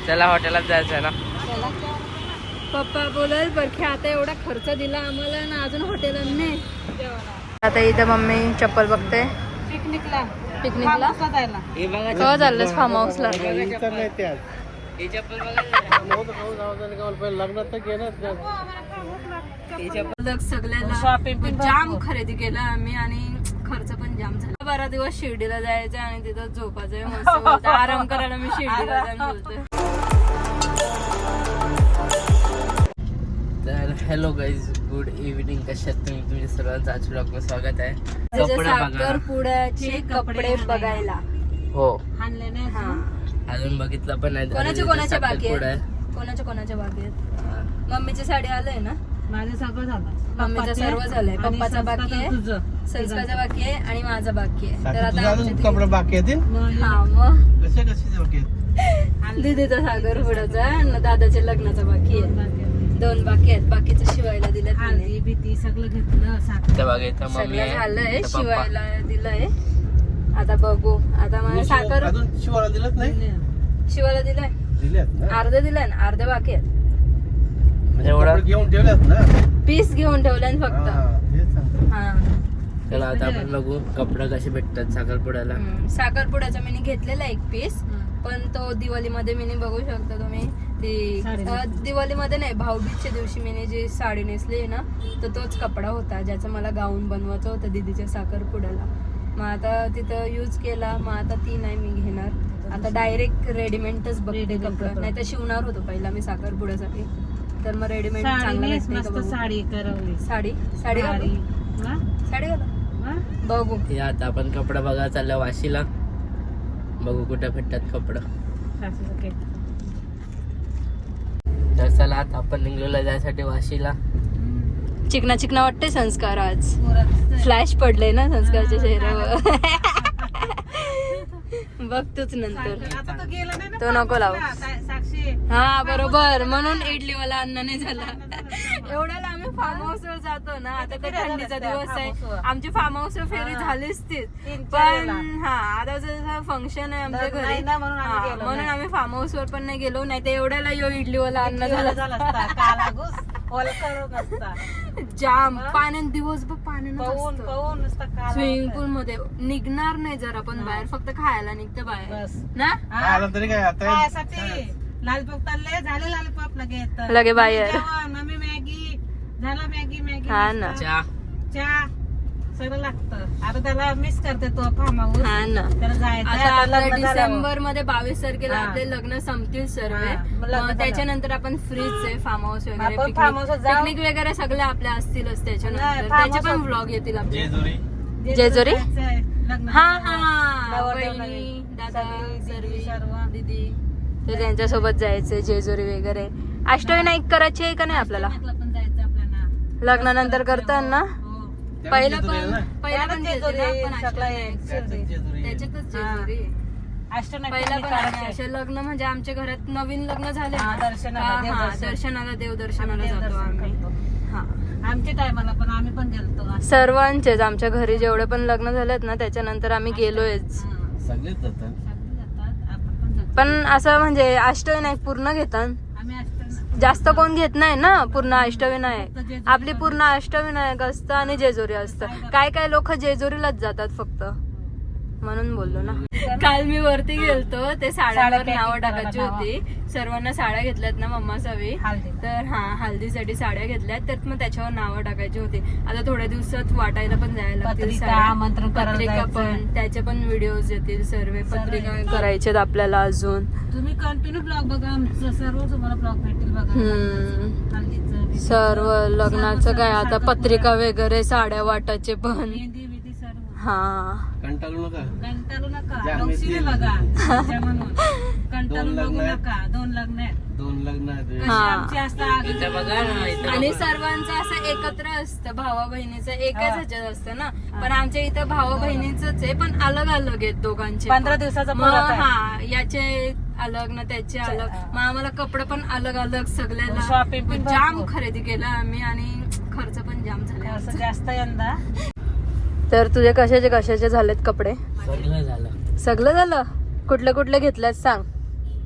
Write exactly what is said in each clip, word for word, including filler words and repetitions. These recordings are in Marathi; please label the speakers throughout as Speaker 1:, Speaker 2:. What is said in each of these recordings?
Speaker 1: त्याला हॉटेलात जायचं ना.
Speaker 2: पप्पा बोलल बरखे आता एवढा खर्च दिला आम्हाला ना अजून हॉटेलात नाही. आता इथं मम्मी चप्पल बघते.
Speaker 3: पिकनिकला
Speaker 2: पिकनिकला
Speaker 3: जायला
Speaker 2: केव्हा चाललंस फार्म हाऊसला? सगळ्याला
Speaker 3: शॉपिंग
Speaker 2: जाम खरेदी केलं आम्ही आणि खर्च पण जाम झाला. बारा दिवस शिर्डीला जायचं आणि तिथं झोपायचंय मस्त बोलतोय. आराम करायला मी शिर्डीला जाऊन बोलतोय.
Speaker 1: तर हॅलो गाईज, गुड इव्हनिंग. कशात तुम्ही? तुम्ही सर्वांचं आजच्या ब्लॉगमध्ये स्वागत आहे. कपडे बघा,
Speaker 2: साखरपुड्याचे कपडे बघायला.
Speaker 1: हो
Speaker 3: आणले नाही
Speaker 2: हा
Speaker 1: अजून बघितलं पण नाही.
Speaker 2: कोणाचे कोणाचे बाकी
Speaker 1: साखरपुडा
Speaker 2: आहेत?
Speaker 1: आहे.
Speaker 2: कोणाच्या कोणाच्या बाकी आहेत? मम्मीची साडी आलंय ना?
Speaker 3: माझं सगळं झालं.
Speaker 2: मम्मीचं सर्व झालंय.
Speaker 3: आणि
Speaker 2: पप्पाचा बाकी आहे,
Speaker 3: तुझं
Speaker 2: संस्कारचा बाकी आहे आणि माझा बाकी आहे. तर आता
Speaker 4: अजून
Speaker 2: आमचे
Speaker 4: कपडे बाकी आहेत.
Speaker 2: तीन- हा मग
Speaker 4: कसे कसे बाकी आहेत?
Speaker 2: दीदीचा साखरपुड्याचा आणि दादाच्या लग्नाचा बाकी आहे. दोन बाकी आहेत. बाकीचं शिवायला दिलं
Speaker 3: हळदी भीती सगळं घेतलं साखर.
Speaker 1: ते बघा इथं मम्मी
Speaker 2: सगळं
Speaker 1: आहे,
Speaker 2: झालंय.
Speaker 1: इथं पप्पा.
Speaker 2: शिवायला दिलंय. आता बघू. आता मला साखर
Speaker 4: अजून शिवाला दिलंच नाही.
Speaker 2: शिवायला दिलंय.
Speaker 4: दिल्यात ना.
Speaker 2: अर्धे दिलंय ना, अर्धे बाकी आहेत.
Speaker 1: म्हणजे एवढा
Speaker 4: कपडे घेऊन ठेवल्यात ना.
Speaker 2: पीस घेऊन ठेवलंय ना फक्त.
Speaker 4: हा, तेच सांगतो.
Speaker 2: हा
Speaker 1: त्याला आता आपण बघू कपडे कसे भेटतात साखरपुड्याला.
Speaker 2: हम्म. साखरपुड्याचा मी घेतलेला एक पीस, पण तो दिवाळीमध्ये मी बघू शकता तुम्ही ती
Speaker 3: साडी
Speaker 2: अं, दिवाळीमध्ये नाही, भाऊबीजच्या दिवशी मी जी साडी नेसली आहे ना, तर तोच कपडा होता ज्याचा मला गाऊन बनवायचं होतं दीदीच्या साखरपुड्याला. मग आता तिथं यूज केला. मग आता ती नाही मी घेणार. आता डायरेक्ट रेडीमेडच बघते
Speaker 3: रेडीमेड
Speaker 2: कपडा.
Speaker 3: कपडा.
Speaker 2: नाही तर शिवणार होतो पहिला मी साखरपुड्यासाठी, तर मग रेडीमेड
Speaker 3: साडी
Speaker 2: चांगलं
Speaker 3: नेस,
Speaker 2: भेटते का
Speaker 3: मस्त
Speaker 2: बघू.
Speaker 3: साडी करवली.
Speaker 2: साडी साडी घालू?
Speaker 3: हा?
Speaker 2: साडी घालू?
Speaker 3: हा?
Speaker 2: बघू.
Speaker 1: हे आता आपण कपडा बघा चाललं वाशीला. बघू कुठे भेटतात कपडं.
Speaker 3: सासूचं केक.
Speaker 1: तर चला आता आपण निघलेलो जायसाठी वाशीला.
Speaker 2: चिकना चिकना वाटते संस्कार आज.
Speaker 3: पोराचं
Speaker 2: फ्लॅश पडले ना संस्कारच्या चेहऱ्यावर. बघ तूच नंतर.
Speaker 3: आता तो गेला नाही ना
Speaker 2: तो नको लावू.
Speaker 3: सा- साक्षी
Speaker 2: हा बरोबर, म्हणून इडलीवाला अन्न नाही झाला. एवढ्याला आम्ही फार्म हाऊस वर जातो ना. आता तर थंडीचा दिवस आहे. आमची फार्म हाऊस वर फेरी झालीच तीच.
Speaker 3: तीन चार
Speaker 2: पण
Speaker 3: वेळा.
Speaker 2: हा आता जसं फंक्शन आहे आमच्या
Speaker 3: लग्न
Speaker 2: घरी
Speaker 3: आहे ना, म्हणून आम्ही
Speaker 2: हा,
Speaker 3: गेलो
Speaker 2: म्हणून
Speaker 3: नाही.
Speaker 2: आम्ही फार्म हाऊस वर पण नाही गेलो. नाही तर एवढ्याला यो इडलीवाला अन्न झाला
Speaker 3: झाला असता. काला घुस, ओलकरत असता.
Speaker 2: जाम. पाण्यात दिवसभर पाण्यानं
Speaker 3: पाहून
Speaker 2: असतं.
Speaker 3: पाहून नुसता काला
Speaker 2: स्विमिंग
Speaker 3: होता.
Speaker 2: पूल मध्ये निघणार नाही जर आपण बाहेर, फक्त खायला निघतं बाहेर
Speaker 3: बस.
Speaker 2: ना.
Speaker 3: हा?
Speaker 4: आलं तरी काय आता
Speaker 3: खायसाठी लालपाप चालले झाले लालपाप लगेच
Speaker 2: लगे बाहेर.
Speaker 3: जेवण, मम्मी मॅगी झाला मॅगी मॅगी
Speaker 2: हा ना.
Speaker 1: चहा
Speaker 3: चहा सगळं लागतं. आता त्याला मिस करते तो फार्म हाऊस.
Speaker 2: हा ना.
Speaker 3: त्याला जायचं
Speaker 2: आता
Speaker 3: आता
Speaker 2: आपल्या
Speaker 3: लग्न झाल्यावर.
Speaker 2: डिसेंबर मध्ये बावीस तारखेला
Speaker 3: हा.
Speaker 2: आपले लग्न संपतील सर्व.
Speaker 3: हा, मग लग्न
Speaker 2: मग त्याच्यानंतर आपण फ्रीच आहे फार्म हाऊस वगैरे,
Speaker 3: आपण farm house वर जाऊ.
Speaker 2: पिकनिक वगैरे सगळे आपल्या असतीलच त्याच्यानंतर.
Speaker 3: नाही, farm
Speaker 2: त्याचे पण
Speaker 3: house-
Speaker 2: ब्लॉग येतील आपले.
Speaker 4: जेजुरी
Speaker 2: जेजुरी?
Speaker 3: जायचंय, लग्न
Speaker 2: हा
Speaker 3: झाल्यावर.
Speaker 2: हा
Speaker 3: नवरदेव
Speaker 2: बहिणी,
Speaker 3: नवीन.
Speaker 2: दादा,
Speaker 3: सगळी,
Speaker 2: सर्वी,
Speaker 3: दीदी, सर्व.
Speaker 2: दीदी, तर त्यांच्यासोबत जायचंय जेजुरी वगैरे. अष्टविनायक करायची आहे का नाही आपल्याला
Speaker 3: लग्नाला पण जायचं आपल्याला.
Speaker 2: लग्नानंतर करताना?
Speaker 3: हो.
Speaker 2: पहिला
Speaker 4: जेजुरी आहे
Speaker 2: पण
Speaker 4: ना?
Speaker 2: पहिला पण
Speaker 3: त्यानंच
Speaker 2: जेजुरी,
Speaker 3: जेजुरी,
Speaker 2: पण
Speaker 3: सगळं
Speaker 2: अष्टविनायक.
Speaker 3: एक शिर्डी.
Speaker 2: त्याच्यातच
Speaker 3: हा.
Speaker 2: जेजुरी.
Speaker 3: अष्टनाथ
Speaker 2: पहिला पण
Speaker 3: करायचे.
Speaker 2: आम्ही असे लग्न म्हणजे आमच्या घरात नवीन लग्न झाले
Speaker 3: हा,
Speaker 2: ना,
Speaker 3: दर्शनाला,
Speaker 2: हा, हा,
Speaker 3: देवदर्शन.
Speaker 2: दर्शनाला देवदर्शनाला
Speaker 3: आम्ही
Speaker 2: जातो
Speaker 3: देवदर्शन
Speaker 2: आम्ही.
Speaker 3: करतो.
Speaker 2: हा
Speaker 3: आमच्या टायमाला पण आम्ही पण गेलतो.
Speaker 2: सर्वांचेच आमच्या घरी जेवढे पण लग्न झालेत ना त्याच्यानंतर आम्ही गेलोयच.
Speaker 3: हा.
Speaker 4: सगळेच जातात.
Speaker 3: सगळे जातात, आपण पण जातो.
Speaker 2: पण असं म्हणजे अष्टविनायक पूर्ण घेतात.
Speaker 3: आम्ही अष्टनाथ
Speaker 2: जास्त कोण घेत नाही ना पूर्ण अष्टविनायक. आपली पूर्ण अष्टविनायक असतं आणि जेजुरी असतं. काय काय लोक जेजुरीलाच जातात फक्त, म्हणून बोललो ना. काल मी वरती गेलतो, ते साड्यांवर
Speaker 3: साड्या
Speaker 2: नावं
Speaker 3: packing
Speaker 2: टाकायची
Speaker 3: करायला,
Speaker 2: होती. सर्वांना साड्या घेतल्यात ना मम्मा सवी,
Speaker 3: हळदी.
Speaker 2: तर हा हल्दीसाठी साड्या घेतल्यात, तर मग त्याच्यावर नावं टाकायची होती. आता थोड्या दिवसात वाटायला पण जायला लागतील
Speaker 3: पत्रिका,
Speaker 2: साड्या.
Speaker 3: आमंत्रण करायला
Speaker 2: पत्रिका
Speaker 3: जायचंय.
Speaker 2: पण, त्याचे पण व्हिडिओज येतील सर्व. पत्रिका करायचे आपल्याला अजून.
Speaker 3: तुम्ही कंटिन्यू ब्लॉग बघा, आमचं सर्व तुम्हाला ब्लॉग भेटेल बघा.
Speaker 2: हम्म.
Speaker 3: हल्दीचं, बिदीचं,
Speaker 2: सर्व लग्नाचं
Speaker 3: सर्व,
Speaker 2: काय
Speaker 3: सर्व
Speaker 2: आता
Speaker 3: साखरपुडा.
Speaker 2: पत्रिका वगैरे, साड्या वाटायचे पण.
Speaker 3: मेहंदी बिंदी सर्व.
Speaker 2: हा
Speaker 4: कंटाळू नका.
Speaker 3: कंटाळू नका,
Speaker 4: ज्या
Speaker 3: नवशीने
Speaker 4: मिळतील.
Speaker 3: बघा त्याच्या म्हणून. कंटाळू
Speaker 4: दोन
Speaker 3: बघू
Speaker 4: लग्न आहेत.
Speaker 3: नका. दोन लग्न आहेत.
Speaker 4: दोन लग्न आहेत.
Speaker 3: कशी
Speaker 2: हा.
Speaker 3: आमची असतात.
Speaker 1: इथं बघा ना, इथं
Speaker 2: आणि
Speaker 1: बघा.
Speaker 2: सर्वांचं असं एकत्र असतं, भावा बहिणीचं एकाच
Speaker 3: हा.
Speaker 2: ह्याच्यात असतं ना. पण आमच्या इथं भावा बहिणीच आहे, पण अलग अलग आहेत दोघांचे.
Speaker 3: पंधरा दिवसाचा
Speaker 2: मग
Speaker 3: फरक आहे.
Speaker 2: हा, याचे अलग ना त्याचे अलग. मग आम्हाला कपडे पण अलग अलग सगळ्याला.
Speaker 3: Shopping पण
Speaker 2: जाम
Speaker 3: भरपूर.
Speaker 2: खरेदी केलं आम्ही आणि खर्च पण जाम झाला.
Speaker 3: असं जास्त यंदा.
Speaker 2: तर तुझे कशाचे कशाचे झालेत कपडे?
Speaker 1: सगळं झालं.
Speaker 2: सगळं झालं. कुठले कुठले घेतल्यात सांग.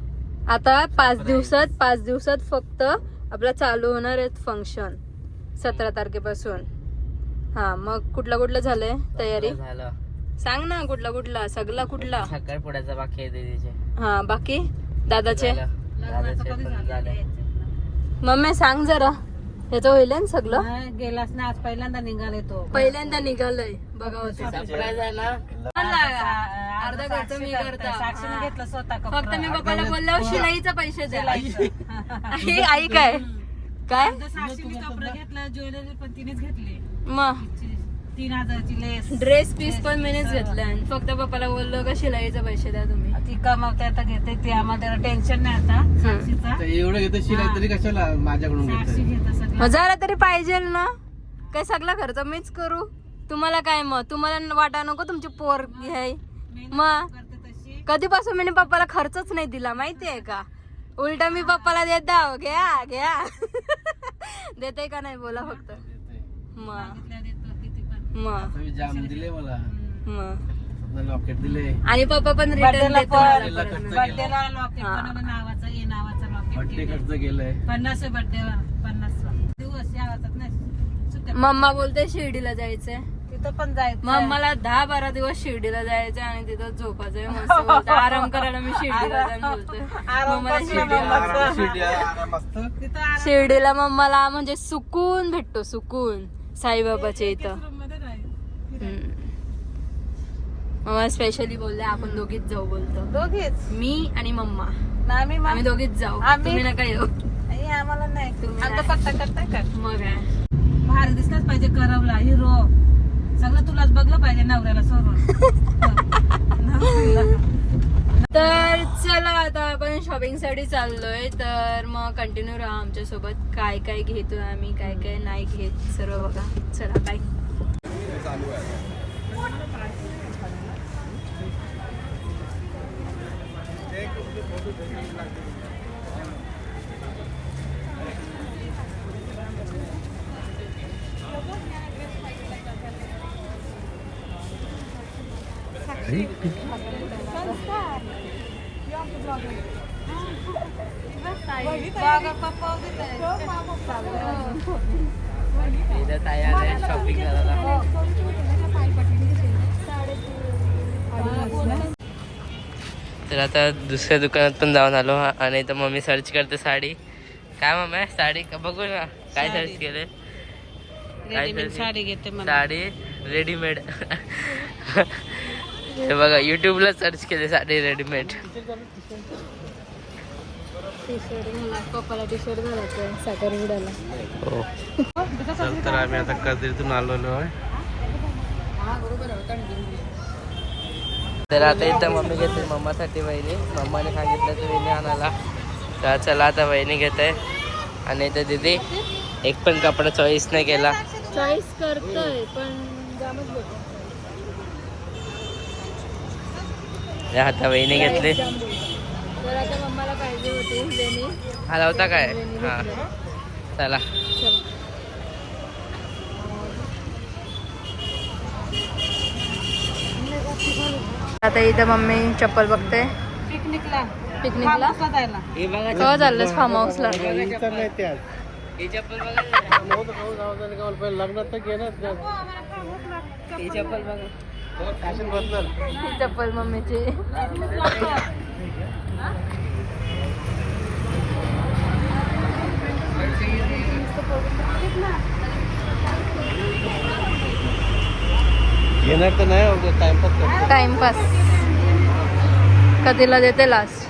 Speaker 2: आता पाच दिवसात पाच दिवसात फक्त आपला चालू होणार आहेत फंक्शन सतरा तारखेपासून. हा मग कुठला कुठलं झालंय तयारी
Speaker 1: झालं.
Speaker 2: सांग ना कुठला कुठला सगळा कुठला.
Speaker 1: साखरपुड्याचा बाकी आहे दीदीचे.
Speaker 2: हा बाकी दादाचे
Speaker 1: झालं. दादाचे पण झाले.
Speaker 2: मम्मी सांग जरा ह्याचं होईल ना सगळं.
Speaker 3: नाही, गेलाच ना आज पहिल्यांदा निघाले तो.
Speaker 2: पहिल्यांदा निघालंय बघा होते
Speaker 1: सरप्राईज आहे ना.
Speaker 2: अर्धा खर्च मी करता
Speaker 3: साक्षीने
Speaker 2: हा.
Speaker 3: घेतलं स्वतः
Speaker 2: फक्त
Speaker 3: कपडा.
Speaker 2: मी पप्पाला बोलल्यावर शिलाईचा पैसे द्या.
Speaker 3: शिलाईचं.
Speaker 2: आई आई काय काय
Speaker 3: आता साक्षीने कपडा घेतला, ज्वेलरी पण तिनेच घेतली.
Speaker 2: मग
Speaker 3: तीन हजाराची लेस.
Speaker 2: ड्रेस पीस पण मीच घेतलाय आणि फक्त पप्पाला बोललो का शिलाईचा पैसे द्या तुम्ही.
Speaker 3: ती कमावते आता घेते ती, आम्हाला टेन्शन नाही आता साक्षीचा.
Speaker 4: तर एवढं घेतं शिलाई तरी कशाला माझ्याकडून
Speaker 3: साक्षी
Speaker 4: घेत
Speaker 3: घेत सगळं.
Speaker 2: मग जरा तरी पाहिजे ना. काय सगळा खर्च मीच करू. तुम्हाला काय मग तुम्हाला वाटा नको तुमची पोर घ्याय. मग
Speaker 3: करते तशी.
Speaker 2: कधीपासून मी पप्पाला खर्चच नाही दिला माहितीये का. उलटा मी पप्पाला देत दाव घ्या घ्या देते का नाही बोला फक्त. मग
Speaker 3: मागितल्या देतो किती पण.
Speaker 2: मग
Speaker 4: जाम दिले मला,
Speaker 2: मग
Speaker 4: लॉकेट दिले,
Speaker 2: आणि पप्पा पण रिटर्न
Speaker 3: बर्थडेला
Speaker 2: देतो
Speaker 3: पण
Speaker 2: मला परत.
Speaker 3: बर्थडेला लॉकेट
Speaker 2: हा.
Speaker 3: बनवलं नावाचं, ए नावाचं
Speaker 4: बड्डे
Speaker 3: लॉकेट.
Speaker 4: खर्च केलाय.
Speaker 3: पन्नास बर्थडे पन्नास दिवस या वाजतात नाही सुट्ट्या.
Speaker 2: मम्मा बोलते शिर्डीला जायचंय.
Speaker 3: तिथं पण जायचं.
Speaker 2: मग मला दहा बारा दिवस शिर्डीला जायचं आणि तिथं झोपायचंय मस्त बोलते. आराम करायला मी शिर्डीला जाईन बोलते.
Speaker 3: आराम
Speaker 2: मग मला
Speaker 3: कसला
Speaker 2: शिर्डीला
Speaker 3: मम्मा?
Speaker 4: आराम शिर्डी आहे, आराम असतं.
Speaker 3: तिथं आराम
Speaker 2: शिर्डीला मम्माला म्हणजे सुकून भेटतो सुकून साईबाबाच्या इथं.
Speaker 3: room मध्ये राहील.
Speaker 2: हम्म. मम्मा स्पेशली बोलले आपण दोघीच जाऊ बोलतो.
Speaker 3: दोघीच
Speaker 2: मी आणि मम्मा
Speaker 3: ना आम्ही मग-
Speaker 2: आम्ही दोघीच जाऊ.
Speaker 3: आम्ही-
Speaker 2: तुम्ही नका येऊ.
Speaker 3: आई, आम्हाला नाही
Speaker 2: तुम्ही
Speaker 3: आमचं
Speaker 2: नाही.
Speaker 3: पट्टा करताय का
Speaker 2: मग काय.
Speaker 3: भारी दिसलाच पाहिजे करवला हिरो सगळं तुलाच बघलं पाहिजे नवऱ्याला सोडून.
Speaker 2: तर चला आता आपण शॉपिंग साठी चाललोय. तर मग कंटिन्यू राहा आमच्या सोबत. काय काय घेतोय आम्ही काय काय नाही घेत सर्व बघा. चला बाय.
Speaker 1: इथं ताई आल्या शॉपिंग करायला. तर आता दुसऱ्या दुकानात पण जाऊन आलो आणि इथं मम्मी सर्च करते साडी. काय मम्मी साडी का बघू ना काय सर्च केले.
Speaker 3: रेडीमेड साडी घेते मला.
Speaker 1: साडी रेडीमेड हे बघा युट्यूबला सर्च केले साडी रेडीमेड.
Speaker 2: टी शर्ट पप्पाला टी शर्ट घालायचं साखरपुड्याला.
Speaker 1: हो
Speaker 4: चल तर आम्ही आता कदिरीतून आलेलो आहे.
Speaker 1: तर आता इथं मम्मी घेते मम्मासाठी वहिनी. मम्माने सांगितलं तर वहिनी आणायला. तर चला आता वहिनी घेते आणि इथं दीदी एक पण कपडा चॉईस नाही केला.
Speaker 2: चॉईस करतोय पण जामच भेटतो.
Speaker 1: या आता वहिनी घेतली.
Speaker 2: तर आता मम्माला पाहिजे होती वेणी.
Speaker 1: आला होता काय हा चला.
Speaker 2: आता इथं मम्मी चप्पल बघते
Speaker 3: पिकनिकला
Speaker 2: पिकनिकला.
Speaker 3: फार्महाऊसला जायला.
Speaker 1: हे बघा
Speaker 2: केव्हा चाललंस फार्म हाऊसला.
Speaker 1: ही चप्पल बघा.
Speaker 4: लग्नात तर घेणार
Speaker 1: ही चप्पल बघा.
Speaker 4: फॅशन बदल.
Speaker 2: ही चप्पल मम्मीची.
Speaker 4: घेणार तर नाही टाइमपास करतो.
Speaker 2: टाइमपास कधीला देते लास्ट.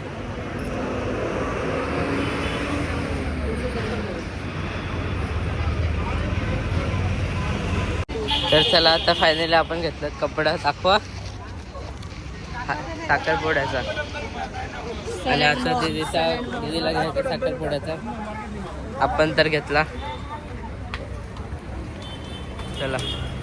Speaker 1: तर चला आता फायनली आपण घेतलं कपडा. दाखवा हा, साखरपुड्याचा. आणि आता दीदीचा दीदीला घ्यायचा साखरपुड्याचा. आपण तर घेतला. चला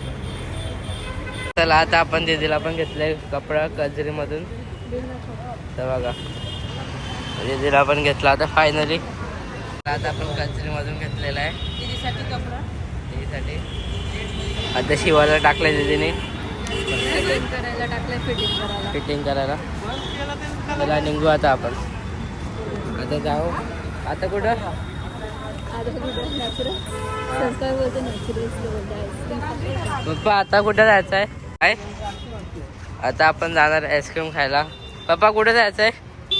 Speaker 1: चला आता आपण दीदीला पण घेतलाय कपडा कजरीमधून. तर बघा दीदीला पण घेतला आता फायनली. आता आपण कजरीमधून घेतलेला आहे
Speaker 3: दीदीसाठी कपडा.
Speaker 1: दीदीसाठी. आता शिवायला टाकलंय दीदीने
Speaker 2: फिटिंग करायला टाकलंय फिटिंग करायला.
Speaker 1: फिटिंग करायला. चला निघू आता आपण. आता जाऊ. आता कुठं?
Speaker 2: आता कुठं नॅचरल संस्कार बोलतो नॅचरल बोलतो
Speaker 1: पप्पा आता कुठं जायचं आहे? काय आता आपण जाणार आईस्क्रीम खायला. पप्पा कुठे जायचं आहे?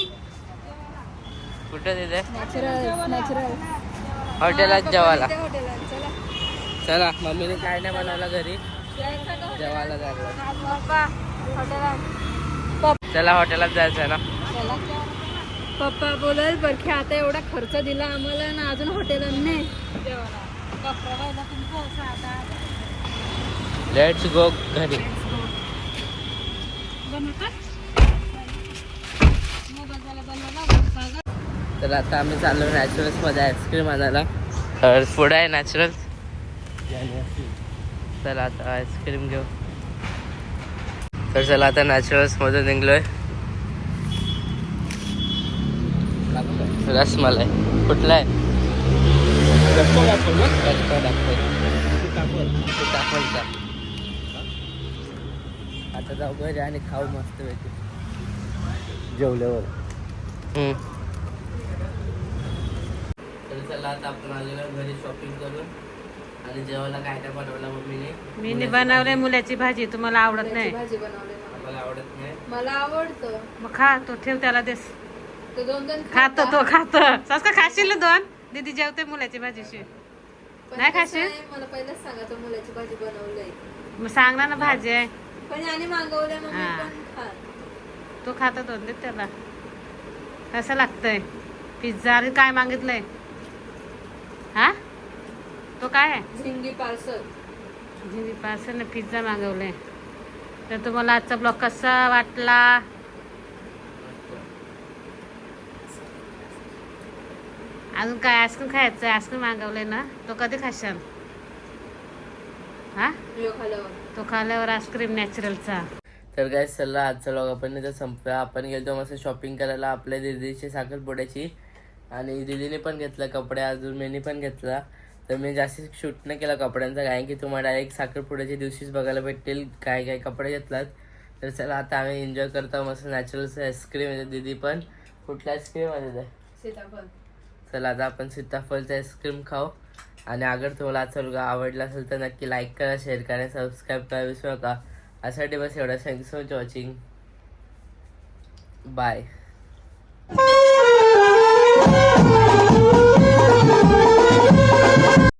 Speaker 1: कुठं तिथे?
Speaker 2: नॅचरल नॅचरल
Speaker 1: हॉटेलात जेवायला.
Speaker 2: हॉटेलात चला.
Speaker 1: चला मम्मीने काय नाही बनवलं घरी, जेवायला जायला.
Speaker 2: पप्पा हॉटेलात
Speaker 1: चला हॉटेलात जायचं आहे ना.
Speaker 2: पप्पा बोलल बरखे आता एवढा खर्च दिला आम्हाला ना अजून हॉटेलात नाही.
Speaker 1: लेट्स गो घरी. तर आता आम्ही चाललो नॅचरल्स मध्ये आईस्क्रीम आणायला. तर पुढे आहे नॅचरल. चला आता आईस्क्रीम घेऊ. तर चला आता नॅचरल्स मधून निघलोय. रसमलाई कुठला आहे? सीताफळचा. आता जाऊ घरी आणि खाऊ मस्त पैकी जेवल्यावर. तर चला आता आपण आलेलो घरी शॉपिंग करून आणि जेवायला काय काय बनवलं मम्मीने.
Speaker 3: मी बनवले मुलाची भाजी, तुम्हाला आवडत नाही.
Speaker 2: भाजी बनवली
Speaker 1: मला आवडत नाही.
Speaker 2: मला आवडतं.
Speaker 3: मग खा, तो ठेव त्याला देस.
Speaker 2: तो दोन दोन
Speaker 3: खातो तो खातो. सस का खाशील ना दोन? दीदी जेवते मुलाची भाजीशी.
Speaker 2: पण
Speaker 3: नाही
Speaker 2: कसं
Speaker 3: खाशील?
Speaker 2: आहे, मला पहिलेच सांगायचं मुलाची भाजी बनवलंय
Speaker 3: मग सांग ना ना भाजी आहे.
Speaker 2: पण याने मागवलंय मग मी
Speaker 3: हा.
Speaker 2: पण खात.
Speaker 3: तो खाता दोन दे त्याला. कसं लागतंय पिझ्झा? आणि काय मागितलंय? हा तो काय आहे?
Speaker 2: झिंगी पार्सल.
Speaker 3: जिनी पार्सल पिझ्झा मागवले. तर तुम्हाला आजचा ब्लॉग कसा वाटला? अजून काय आईस्क्रीम खायचं? आईस्क्रीम मागवले ना, तो कधी खाशाल? हा
Speaker 2: यो खाल्यावर
Speaker 3: तो खाल्यावर आईस्क्रीम नॅचरलचा.
Speaker 1: तर काय चला आजचा व्लॉग आपण इथं संपला. आपण गेलो मस्त शॉपिंग करायला आपल्या दीदीची साखरपुड्याची. आणि दीदीने पण घेतला कपडे, अजून मीनी पण घेतला. तर मी जास्त शूट नाही केला कपड्यांचा, कारण की तुम्हाला डायरेक्ट साखरपुड्याच्या दिवशीच बघायला भेटतील काय काय कपडे घेतलात. तर चला आता आम्ही एन्जॉय करतो मस्त नॅचरलचं आईस्क्रीम येते. दीदी पण कुठला आईस्क्रीम आहे ते?
Speaker 2: सीताफळ.
Speaker 1: चला आता आपण सीताफळचं आईस्क्रीम खाऊ. आणि अगर तुम्हाला आजचा व्लॉग आवडला असेल तर नक्की लाईक करा, शेअर करा, सबस्क्राईब करा विसरू नका. यासाठी बस एवढं. Thank you so much watching. Bye.